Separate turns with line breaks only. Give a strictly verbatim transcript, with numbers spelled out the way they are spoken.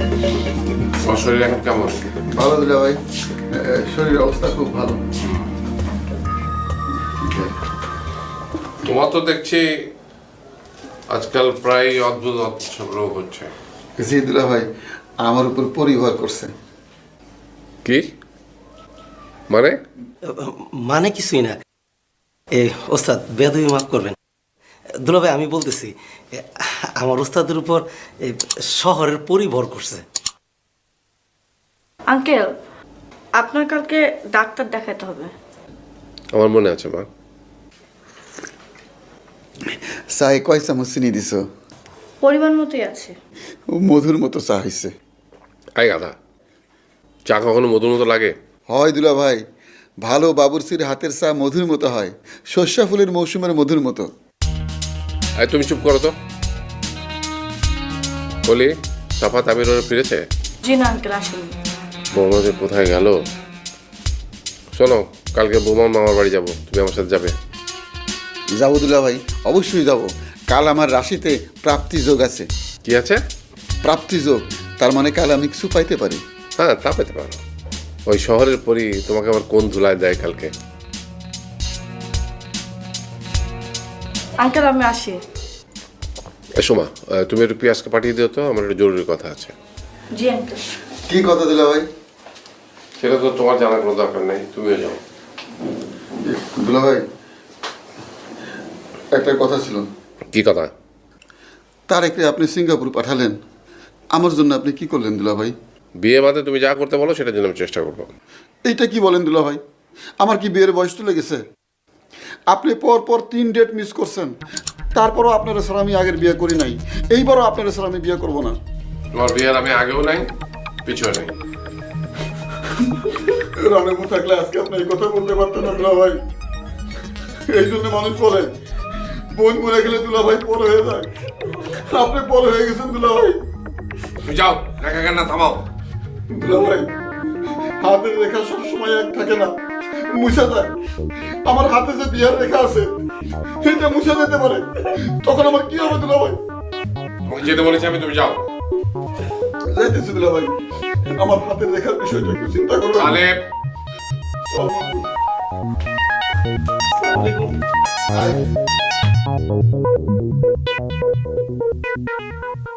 তোমার শরীর এখন কেমন?
ভালো দুলা ভাই, শরীরের অবস্থা খুব ভালো।
তোমার তো দেখছি আজকাল প্রায় অদ্ভুত অদ্ভুত সব রোগ হচ্ছে।
জি দুলা ভাই, আমার উপর পরিবার করছে।
কি মানে?
মানে কিছুই না। এ ওস্তাদ বেদবি মাফ করবেন। দুলা ভাই আমি বলতেছি এ, আমার ওস্তাদের উপর এ, শহরের পরিভর করছে।
আঙ্কেল, আপনার কালকে ডাক্তার দেখাতে হবে।
আমার মনে আছে মা।
চায়ে কয় চামচ চিনি দিছ?
পরিমাণ মতোই আছে।
মধুর মতো চা হয়েছে।
আই গাধা, চা কখনো মধুর মতো লাগে?
হয় দুলা ভাই, ভালো বাবুরসির হাতের চা মধুর মতো হয়, সর্ষা ফুলের মৌসুমের মধুর মতো।
আই তুমি চুপ করো তো। বলি, সাফা তামির ওরা ফিরেছে?
জি না আঙ্কেল, আসুন।
বৌমা যে কোথায় গেল? শোনো, কালকে বৌমা মামার বাড়ি যাবো, তুমি আমার সাথে যাবে?
যাবো দুলা ভাই, অবশ্যই যাব। কাল আমার রাশিতে প্রাপ্তি যোগ আছে।
কি আছে?
প্রাপ্তি যোগ, তার মানে কাল আমি কিছু পাইতে পারি।
হ্যাঁ, তা পেতে পারো। ওই শহরের পরই তোমাকে আবার কোন ধুলায় দেয় কালকে।
আঙ্কেল আমি আসি।
এসো মা, আহ, তুমি একটু পিয়াজকে পাঠিয়ে দিও তো, আমার একটু জরুরি কথা আছে।
জি আঙ্কেল।
কি কথা দুলা ভাই?
সেটা তো তোমার জানার কোনো দরকার নেই, তুমিও যাও।
দুলা ভাই, একটা কথা ছিল।
কি কথা?
তারেককে আপনি সিঙ্গাপুর পাঠালেন, আমার জন্য আপনি কি করলেন দুলা ভাই?
বিয়ে বাদে তুমি যা করতে বলো সেটার জন্য আমি চেষ্টা করবো।
এইটা কি বলেন দুলা ভাই? আমার কি বিয়ের বয়স চলে গেছে? আপনি পর পর তিন ডেট মিস করছেন, তারপরও আপনার স্যার আমি আগের বিয়ে করি নাই, এইবারও আপনার স্যার আমি বিয়ে করব না।
তোমার বিয়ের আমি আগেও নাই, পিছুও নাই।
রানেবু থাকলে আজকে আপনি এই কথা বলতে পারতেন না দুলা ভাই। এই জন্য মানুষ বলে বোন মরে গেলে দুলা ভাই পর হয়ে যায়। আপনি পর হয়ে গেছেন দুলা ভাই।
তুমি যাও, দেখা কান্না থামাও।
দুলা ভাই, হাতের রেখা সবসময় এক থাকে না, মুছে যায়। আমার হাতে যে বিয়ার রেখা আছে এটা মুছে যেতে পারে, তখন আমার কি হবে দুলা ভাই?
তোমাকে যেতে বলেছি আমি, তুমি যাও।
যাইতেছি দুলা ভাই, আমার হাতের রেখার বিষয়টা একটু চিন্তা করবেন।
তাহলে
আসসালামু আলাইকুম।